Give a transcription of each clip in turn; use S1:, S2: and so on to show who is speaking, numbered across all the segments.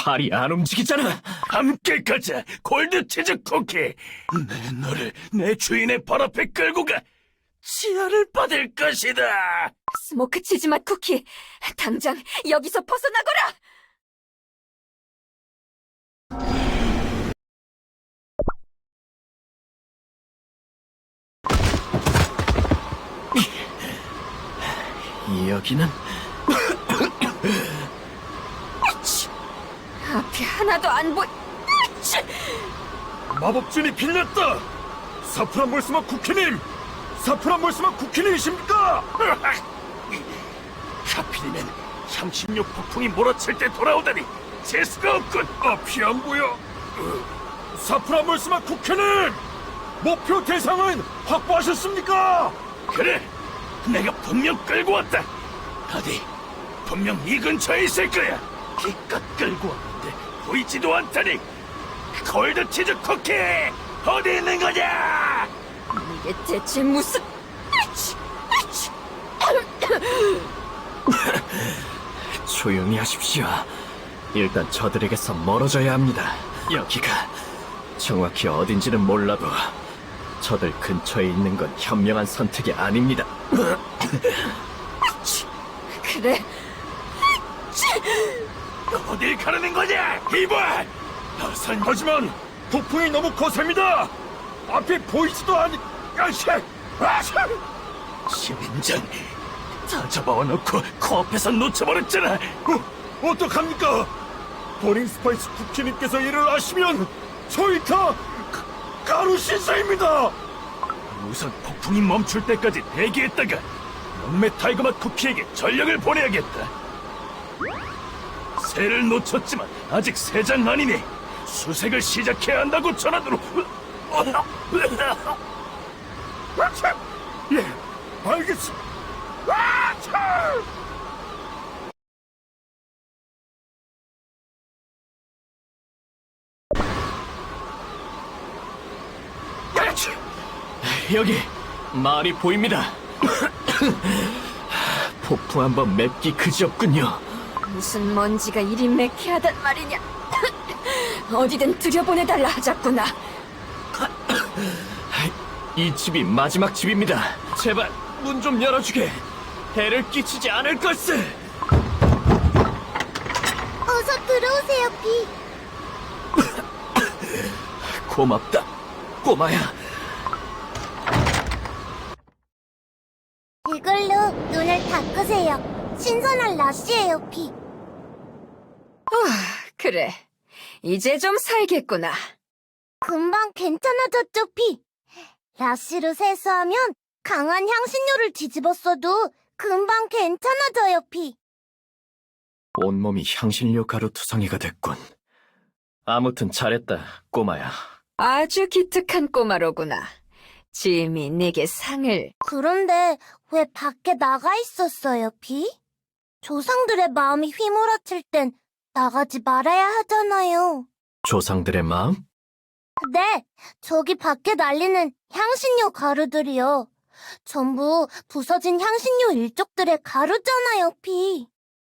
S1: 팔이 안 움직이잖아.
S2: 함께 가자, 골드치즈 쿠키. 너를 내 주인의 발 앞에 끌고 가. 치아를 받을 것이다.
S3: 스모크 치즈맛 쿠키, 당장 여기서 벗어나거라!
S1: 여기는
S3: 앞이 하나도 안 보이...
S2: 마법진이 빌렸다. 사프란 몰스맛 쿠키님, 사프란 몰스맛 쿠키님이십니까? 하필이면 향신료 폭풍이 몰아칠 때 돌아오다니 재수가 없군. 앞이 안 보여. 사프란 몰스맛 쿠키님, 목표 대상은 확보하셨습니까? 그래, 내가 분명 끌고 왔다. 어디, 분명 이 근처에 있을 거야. 기껏 끌고 왔는데 보이지도 않다니. 골드치즈 쿠키 어디 있는 거냐?
S3: 이게 대체 무슨...
S1: 조용히 하십시오. 일단 저들에게서 멀어져야 합니다. 여기가 정확히 어딘지는 몰라도 저들 근처에 있는 건 현명한 선택이 아닙니다.
S3: 그래,
S2: 어딜 가르는 거냐? 이봐! 어선 하지만 폭풍이 너무 거셉니다. 앞이 보이지도 않니... 아씨! 시민장 다 잡아와놓고 코앞에서 놓쳐버렸잖아. 어떡합니까? 버닝 스파이스 쿠키님께서 이를 아시면 저희 다 가루 신사입니다. 우선 폭풍이 멈출 때까지 대기했다가 영매 타이거맛 쿠키에게 전력을 보내야겠다. 새를 놓쳤지만 아직 새장 아니니 수색을 시작해야 한다고 전하도록. 예, 알겠습니다.
S1: 여기 말이 보입니다. 폭풍 한번 맵기 그지없군요.
S3: 무슨 먼지가 이리 매캐하단 말이냐. 어디든 들여보내달라 하자꾸나.
S1: 이 집이 마지막 집입니다. 제발 문 좀 열어주게. 해를 끼치지 않을 것을.
S4: 어서 들어오세요, 비.
S1: 고맙다, 꼬마야.
S4: 이걸로 눈을 닦으세요. 신선한 라시예요, 비.
S3: 그래, 이제 좀 살겠구나.
S4: 금방 괜찮아졌죠, 비. 라시로 세수하면 강한 향신료를 뒤집어 써도 금방 괜찮아져요, 비.
S1: 온몸이 향신료 가루 투성이가 됐군. 아무튼 잘했다, 꼬마야.
S3: 아주 기특한 꼬마로구나. 짐이 내게 상을...
S4: 그런데 왜 밖에 나가 있었어요, 비? 조상들의 마음이 휘몰아칠 땐 나가지 말아야 하잖아요.
S1: 조상들의 마음?
S4: 네, 저기 밖에 날리는 향신료 가루들이요. 전부 부서진 향신료 일족들의 가루잖아요, 피.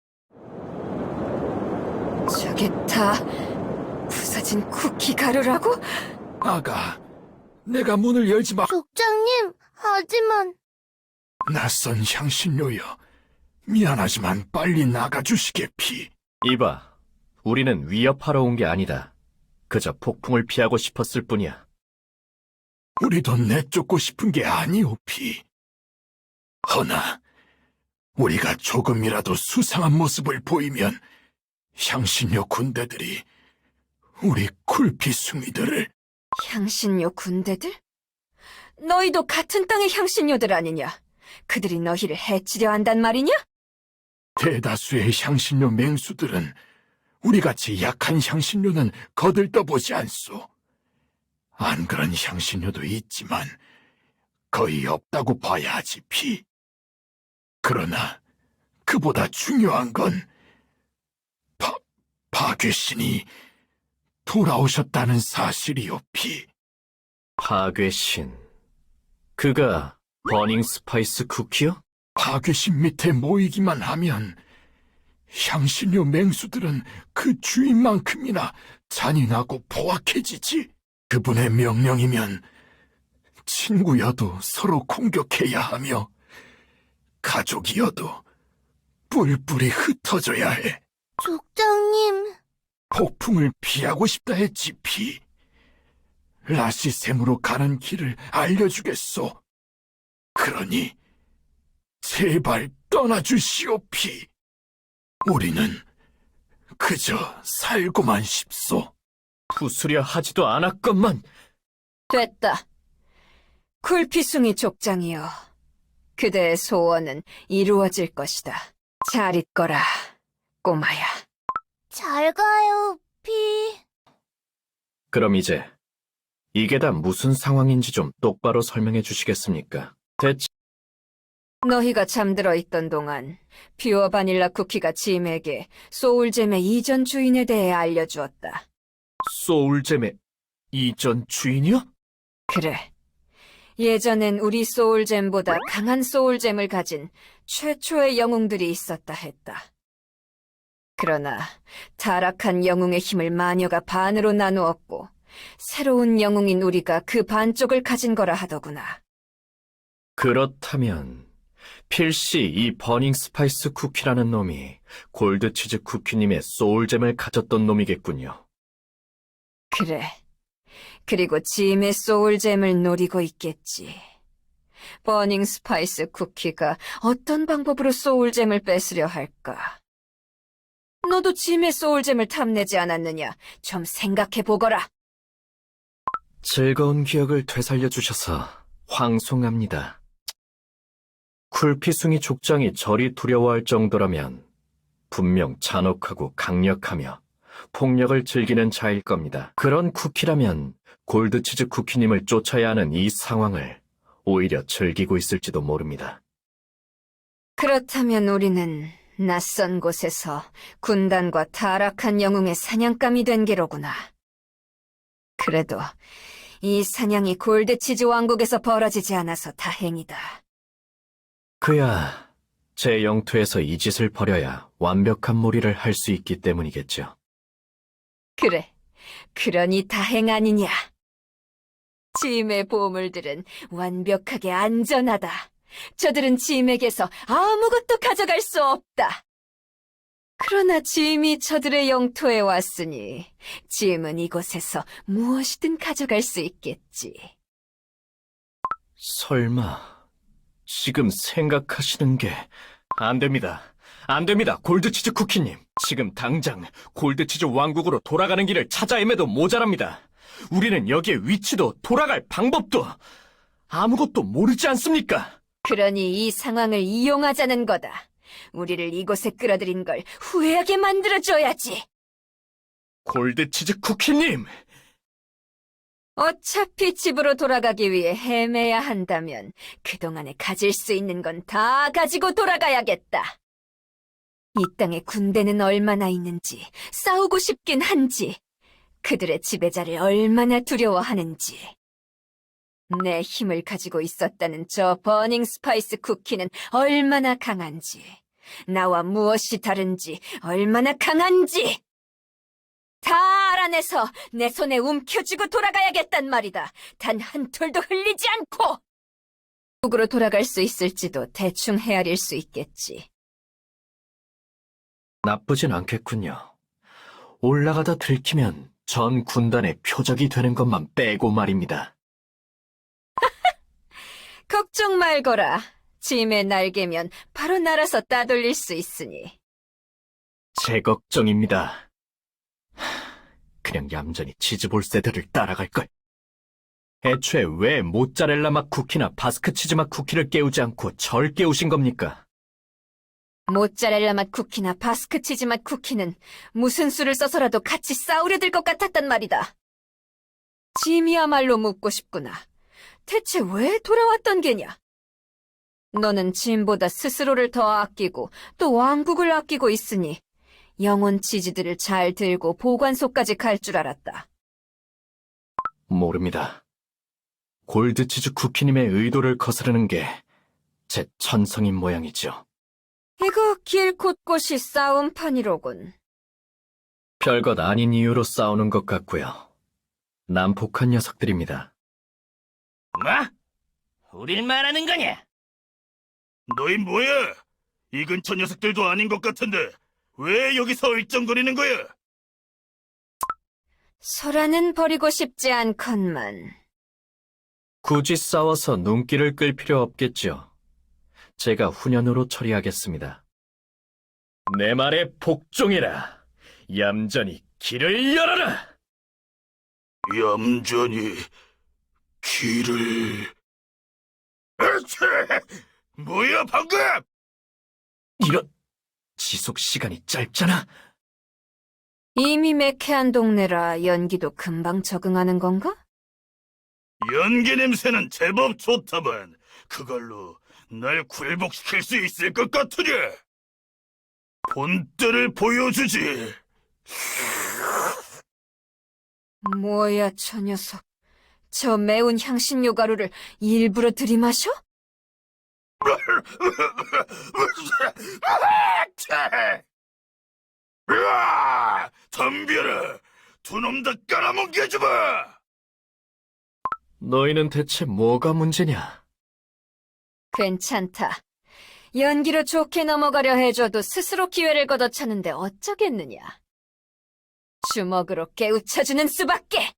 S3: 저게 다 부서진 쿠키 가루라고?
S2: 아가, 내가 문을 열지 마.
S4: 족장님, 하지만...
S2: 낯선 향신료여. 미안하지만 빨리 나가주시게, 피.
S1: 이봐, 우리는 위협하러 온 게 아니다. 그저 폭풍을 피하고 싶었을 뿐이야.
S2: 우리도 내쫓고 싶은 게 아니오, 피. 허나 우리가 조금이라도 수상한 모습을 보이면 향신료 군대들이 우리 쿨피숭이들을...
S3: 향신료 군대들? 너희도 같은 땅의 향신료들 아니냐? 그들이 너희를 해치려 한단 말이냐?
S2: 대다수의 향신료 맹수들은 우리같이 약한 향신료는 거들떠보지 않소. 안 그런 향신료도 있지만 거의 없다고 봐야 하지, 피. 그러나 그보다 중요한 건 파괴신이 돌아오셨다는 사실이오, 피.
S1: 파괴신. 그가 버닝 스파이스 쿠키요?
S2: 파괴신 밑에 모이기만 하면 향신료 맹수들은 그 주인만큼이나 잔인하고 포악해지지. 그분의 명령이면 친구여도 서로 공격해야 하며 가족이어도 뿔뿔이 흩어져야 해.
S4: 족장님,
S2: 폭풍을 피하고 싶다 했지, 피. 라시샘으로 가는 길을 알려주겠소. 그러니 제발 떠나주시오, 피. 우리는 그저 살고만 싶소.
S1: 부수려 하지도 않았건만.
S3: 됐다. 쿨피숭이 족장이여. 그대의 소원은 이루어질 것이다. 잘 있거라, 꼬마야.
S4: 잘 가요, 피.
S1: 그럼 이제 이게 다 무슨 상황인지 좀 똑바로 설명해 주시겠습니까? 대체
S3: 너희가 잠들어 있던 동안 퓨어 바닐라 쿠키가 짐에게 소울잼의 이전 주인에 대해 알려주었다.
S1: 소울잼의 이전 주인이요?
S3: 그래. 예전엔 우리 소울잼보다 강한 소울잼을 가진 최초의 영웅들이 있었다 했다. 그러나 타락한 영웅의 힘을 마녀가 반으로 나누었고 새로운 영웅인 우리가 그 반쪽을 가진 거라 하더구나.
S1: 그렇다면 필시 이 버닝 스파이스 쿠키라는 놈이 골드치즈 쿠키님의 소울잼을 가졌던 놈이겠군요.
S3: 그래. 그리고 짐의 소울잼을 노리고 있겠지. 버닝 스파이스 쿠키가 어떤 방법으로 소울잼을 뺏으려 할까? 너도 짐의 소울잼을 탐내지 않았느냐? 좀 생각해보거라.
S1: 즐거운 기억을 되살려 주셔서 황송합니다. 쿨피숭이 족장이 저리 두려워할 정도라면 분명 잔혹하고 강력하며 폭력을 즐기는 자일 겁니다. 그런 쿠키라면 골드치즈 쿠키님을 쫓아야 하는 이 상황을 오히려 즐기고 있을지도 모릅니다.
S3: 그렇다면 우리는 낯선 곳에서 군단과 타락한 영웅의 사냥감이 된 게로구나. 그래도 이 사냥이 골드치즈 왕국에서 벌어지지 않아서 다행이다.
S1: 그야 제 영토에서 이 짓을 벌여야 완벽한 무리를 할 수 있기 때문이겠죠.
S3: 그래, 그러니 다행 아니냐. 짐의 보물들은 완벽하게 안전하다. 저들은 짐에게서 아무것도 가져갈 수 없다. 그러나 짐이 저들의 영토에 왔으니 짐은 이곳에서 무엇이든 가져갈 수 있겠지.
S1: 설마 지금 생각하시는 게 안 됩니다. 안 됩니다, 골드치즈 쿠키님. 지금 당장 골드치즈 왕국으로 돌아가는 길을 찾아 헤매도 모자랍니다. 우리는 여기에 위치도 돌아갈 방법도 아무것도 모르지 않습니까?
S3: 그러니 이 상황을 이용하자는 거다. 우리를 이곳에 끌어들인 걸 후회하게 만들어줘야지.
S1: 골드치즈 쿠키님!
S3: 어차피 집으로 돌아가기 위해 헤매야 한다면 그동안에 가질 수 있는 건 다 가지고 돌아가야겠다. 이 땅에 군대는 얼마나 있는지, 싸우고 싶긴 한지, 그들의 지배자를 얼마나 두려워하는지. 내 힘을 가지고 있었다는 저 버닝 스파이스 쿠키는 얼마나 강한지, 나와 무엇이 다른지, 얼마나 강한지 다 알아내서 내 손에 움켜쥐고 돌아가야겠단 말이다. 단 한 톨도 흘리지 않고! 북으로 돌아갈 수 있을지도 대충 헤아릴 수 있겠지.
S1: 나쁘진 않겠군요. 올라가다 들키면 전 군단의 표적이 되는 것만 빼고 말입니다.
S3: 걱정 말거라. 짐의 날개면 바로 날아서 따돌릴 수 있으니.
S1: 제 걱정입니다. 그냥 얌전히 치즈볼세들을 따라갈걸. 애초에 왜 모짜렐라 맛 쿠키나 바스크 치즈 맛 쿠키를 깨우지 않고 절 깨우신 겁니까?
S3: 모짜렐라 맛 쿠키나 바스크 치즈 맛 쿠키는 무슨 수를 써서라도 같이 싸우려 들 것 같았단 말이다. 짐이야말로 묻고 싶구나. 대체 왜 돌아왔던 게냐? 너는 짐보다 스스로를 더 아끼고 또 왕국을 아끼고 있으니 영혼 치즈들을 잘 들고 보관소까지 갈 줄 알았다.
S1: 모릅니다. 골드치즈 쿠키님의 의도를 거스르는 게 제 천성인 모양이죠.
S3: 이거 길 곳곳이 싸움판이로군.
S1: 별것 아닌 이유로 싸우는 것 같고요. 난폭한 녀석들입니다.
S2: 뭐? 우릴 말하는 거냐? 너희 뭐야? 이 근처 녀석들도 아닌 것 같은데 왜 여기서 얼쩡거리는 거야?
S3: 소라는 버리고 싶지 않건만.
S1: 굳이 싸워서 눈길을 끌 필요 없겠죠. 제가 훈연으로 처리하겠습니다. 내 말에 복종해라. 얌전히 길을 열어라.
S2: 얌전히 길을... 으치! 뭐야 방금!
S1: 이런 지속 시간이 짧잖아.
S3: 이미 매캐한 동네라 연기도 금방 적응하는 건가?
S2: 연기 냄새는 제법 좋다만 그걸로 날 굴복시킬 수 있을 것 같으냐? 본때를 보여주지.
S3: 뭐야, 저 녀석. 저 매운 향신료 가루를 일부러 들이마셔?
S2: 으아! 덤벼라! 두 놈 다 깔아뭉개주마!
S1: 너희는 대체 뭐가 문제냐?
S3: 괜찮다. 연기로 좋게 넘어가려 해줘도 스스로 기회를 걷어차는데 어쩌겠느냐. 주먹으로 깨우쳐주는 수밖에!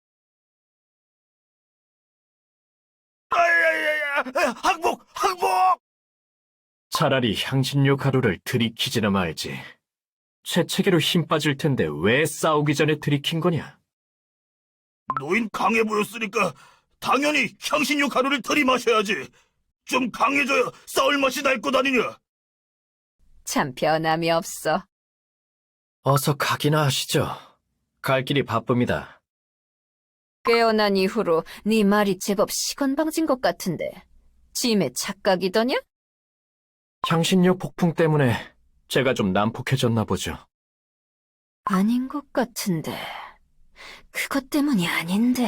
S2: 아야야야! 항복! 항복!
S1: 차라리 향신료 가루를 들이키지나 말지. 재채기로 힘 빠질 텐데 왜 싸우기 전에 들이킨 거냐?
S2: 노인 강해 보였으니까 당연히 향신료 가루를 들이마셔야지. 좀 강해져야 싸울 맛이 날 것 아니냐?
S3: 참 변함이 없어.
S1: 어서 가기나 하시죠. 갈 길이 바쁩니다.
S3: 깨어난 이후로 네 말이 제법 시건방진 것 같은데 짐의 착각이더냐?
S1: 향신료 폭풍 때문에 제가 좀 난폭해졌나 보죠.
S3: 아닌 것 같은데 그것 때문이 아닌데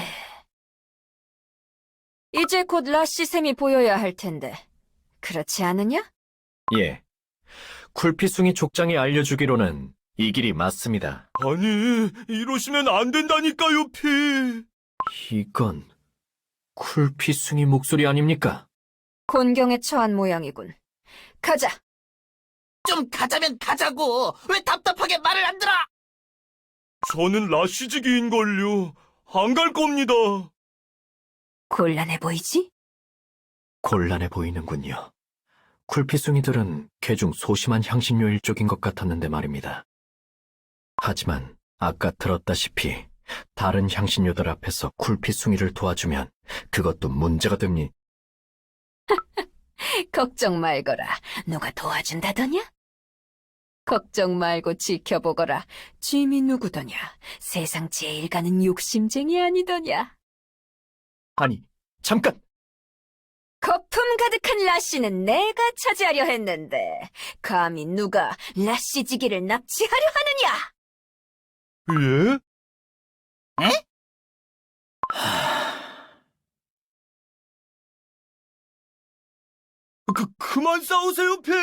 S3: 이제 곧 라시샘이 보여야 할 텐데 그렇지 않으냐?
S1: 예. 쿨피숭이 족장이 알려주기로는 이 길이 맞습니다.
S2: 아니, 이러시면 안 된다니까요, 피.
S1: 이건 쿨피숭이 목소리 아닙니까?
S3: 곤경에 처한 모양이군. 가자.
S5: 좀 가자면 가자고! 왜 답답하게 말을 안 들어!
S2: 저는 라시지기인걸요. 안 갈 겁니다.
S3: 곤란해 보이지?
S1: 곤란해 보이는군요. 쿨피숭이들은 개중 소심한 향신료 일족인 것 같았는데 말입니다. 하지만 아까 들었다시피 다른 향신료들 앞에서 쿨피숭이를 도와주면 그것도 문제가 됩니다.
S3: 걱정 말거라. 누가 도와준다더냐? 걱정 말고 지켜보거라. 짐이 누구더냐? 세상 제일 가는 욕심쟁이 아니더냐?
S1: 아니, 잠깐!
S3: 거품 가득한 라씨는 내가 차지하려 했는데 감히 누가 라씨지기를 납치하려 하느냐?
S2: 예? 그만 싸우세요, 피!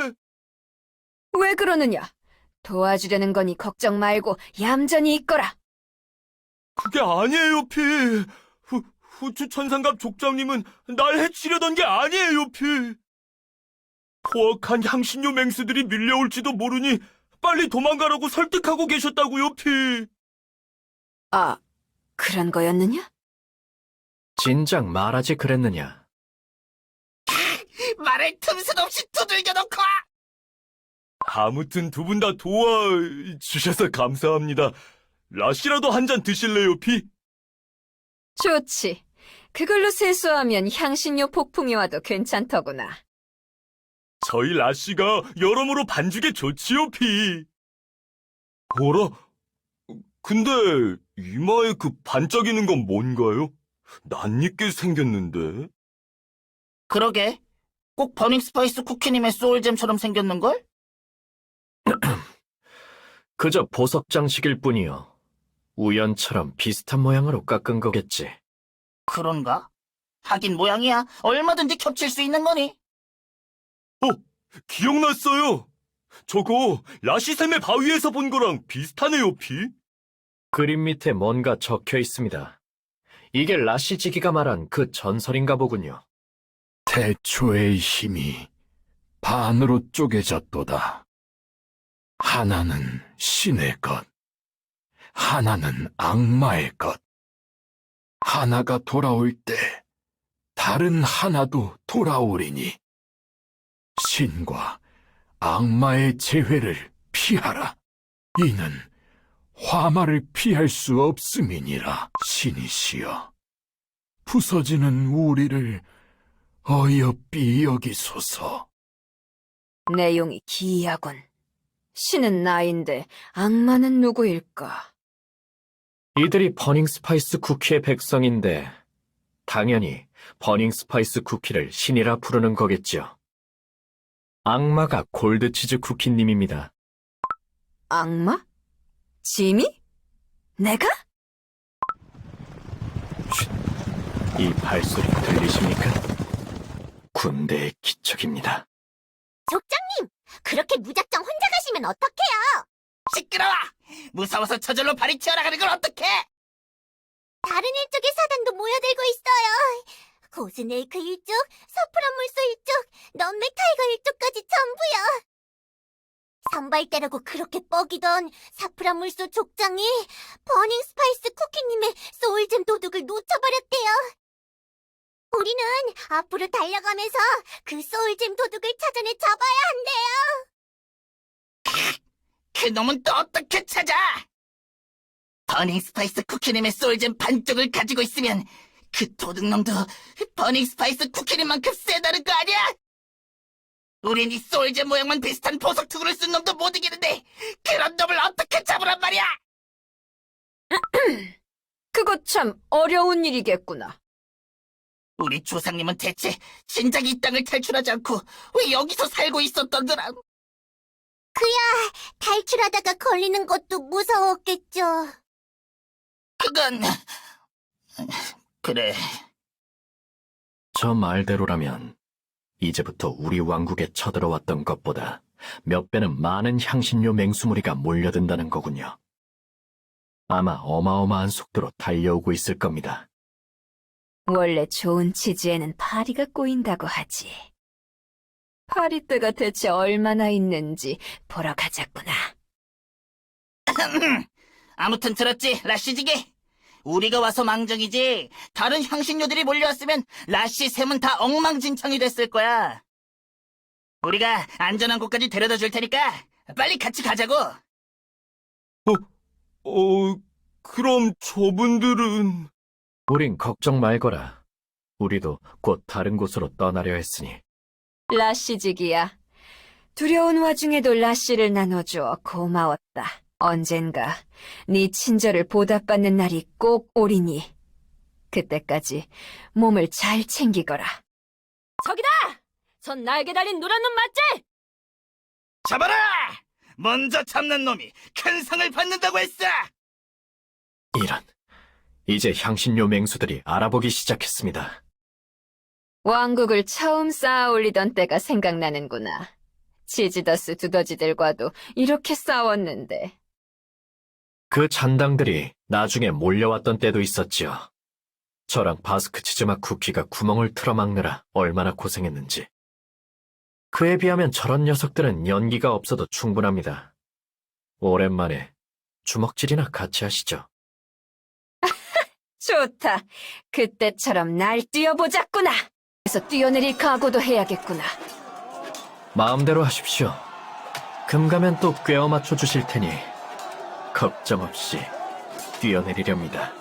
S3: 왜 그러느냐? 도와주려는 거니 걱정 말고 얌전히 있거라.
S2: 그게 아니에요, 피. 후추 천상갑 족장님은 날 해치려던 게 아니에요, 피. 포악한 향신료 맹수들이 밀려올지도 모르니 빨리 도망가라고 설득하고 계셨다고요, 피.
S3: 아, 그런 거였느냐?
S1: 진작 말하지 그랬느냐?
S5: 말을 틈새 없이 두들겨 놓고!
S2: 아무튼 두 분 다 도와주셔서 감사합니다. 라시라도 한 잔 드실래요, 피?
S3: 좋지. 그걸로 세수하면 향신료 폭풍이 와도 괜찮더구나.
S2: 저희 라시가 여러모로 반죽에 좋지요, 피. 뭐라? 근데 이마에 그 반짝이는 건 뭔가요? 낯익게 생겼는데.
S5: 그러게. 꼭 버닝 스파이스 쿠키님의 소울잼처럼 생겼는걸?
S1: 그저 보석 장식일 뿐이요. 우연처럼 비슷한 모양으로 깎은 거겠지.
S5: 그런가? 하긴 모양이야. 얼마든지 겹칠 수 있는 거니.
S2: 기억났어요. 저거 라시샘의 바위에서 본 거랑 비슷하네요, 피.
S1: 그림 밑에 뭔가 적혀 있습니다. 이게 라시지기가 말한 그 전설인가 보군요.
S6: 태초의 힘이 반으로 쪼개졌도다. 하나는 신의 것, 하나는 악마의 것. 하나가 돌아올 때 다른 하나도 돌아오리니 신과 악마의 재회를 피하라. 이는 화마를 피할 수 없음이니라. 신이시여, 부서지는 우리를 어여삐 여기소서.
S3: 내용이 기이하군. 신은 나인데 악마는 누구일까?
S1: 이들이 버닝 스파이스 쿠키의 백성인데 당연히 버닝 스파이스 쿠키를 신이라 부르는 거겠죠. 악마가 골드치즈 쿠키님입니다.
S3: 악마? 지미? 내가?
S1: 이 발소리 들리십니까? 군대의 기척입니다.
S4: 족장님, 그렇게 무작정 혼자 가시면 어떡해요?
S5: 시끄러워! 무서워서 저절로 발이 튀어나가는 걸 어떡해!
S4: 다른 일족의 사단도 모여들고 있어요. 고스네이크 일족, 서프란물소 일족, 넌맥 타이거 일족까지 전부요. 선발대라고 그렇게 뻐기던 사프란물소 족장이 버닝 스파이스 쿠키님의 소울잼 도둑을 놓쳐버렸대요. 우리는 앞으로 달려가면서 그 소울잼 도둑을 찾아내 잡아야 한대요.
S5: 그 놈은 또 어떻게 찾아! 버닝 스파이스 쿠키님의 소울잼 반쪽을 가지고 있으면 그 도둑놈도 버닝 스파이스 쿠키님만큼 세다는 거 아니야? 우린 이 소울잼 모양만 비슷한 보석 투구를 쓴 놈도 못 이기는데 그런 놈을 어떻게 잡으란 말이야!
S3: 그거 참 어려운 일이겠구나.
S5: 우리 조상님은 대체 진작 이 땅을 탈출하지 않고 왜 여기서 살고 있었던더라?
S4: 탈출하다가 걸리는 것도 무서웠겠죠.
S5: 그건... 그래...
S1: 저 말대로라면 이제부터 우리 왕국에 쳐들어왔던 것보다 몇 배는 많은 향신료 맹수무리가 몰려든다는 거군요. 아마 어마어마한 속도로 달려오고 있을 겁니다.
S3: 원래 좋은 치즈에는 파리가 꼬인다고 하지. 파리떼가 대체 얼마나 있는지 보러 가자꾸나.
S5: 아무튼 들었지, 라시지게? 우리가 와서 망정이지 다른 향신료들이 몰려왔으면 라시 샘은 다 엉망진창이 됐을 거야. 우리가 안전한 곳까지 데려다 줄 테니까 빨리 같이 가자고.
S2: 그럼 저분들은...
S1: 우린 걱정 말거라. 우리도 곧 다른 곳으로 떠나려 했으니.
S3: 라시지기야. 두려운 와중에도 라시를 나눠줘 고마웠다. 언젠가 네 친절을 보답받는 날이 꼭 오리니 그때까지 몸을 잘 챙기거라. 저기다! 전 날개 달린 노란 놈 맞지?
S5: 잡아라! 먼저 잡는 놈이 큰 상을 받는다고 했어!
S1: 이런, 이제 향신료 맹수들이 알아보기 시작했습니다.
S3: 왕국을 처음 쌓아 올리던 때가 생각나는구나. 치지더스 두더지들과도 이렇게 싸웠는데.
S1: 그 잔당들이 나중에 몰려왔던 때도 있었지요. 저랑 바스크 치즈맛 쿠키가 구멍을 틀어막느라 얼마나 고생했는지. 그에 비하면 저런 녀석들은 연기가 없어도 충분합니다. 오랜만에 주먹질이나 같이 하시죠.
S3: 좋다. 그때처럼 날 뛰어보자꾸나. 그래서 뛰어내릴 각오도 해야겠구나.
S1: 마음대로 하십시오. 금가면 또 꿰어 맞춰 주실 테니 걱정 없이 뛰어내리렵니다.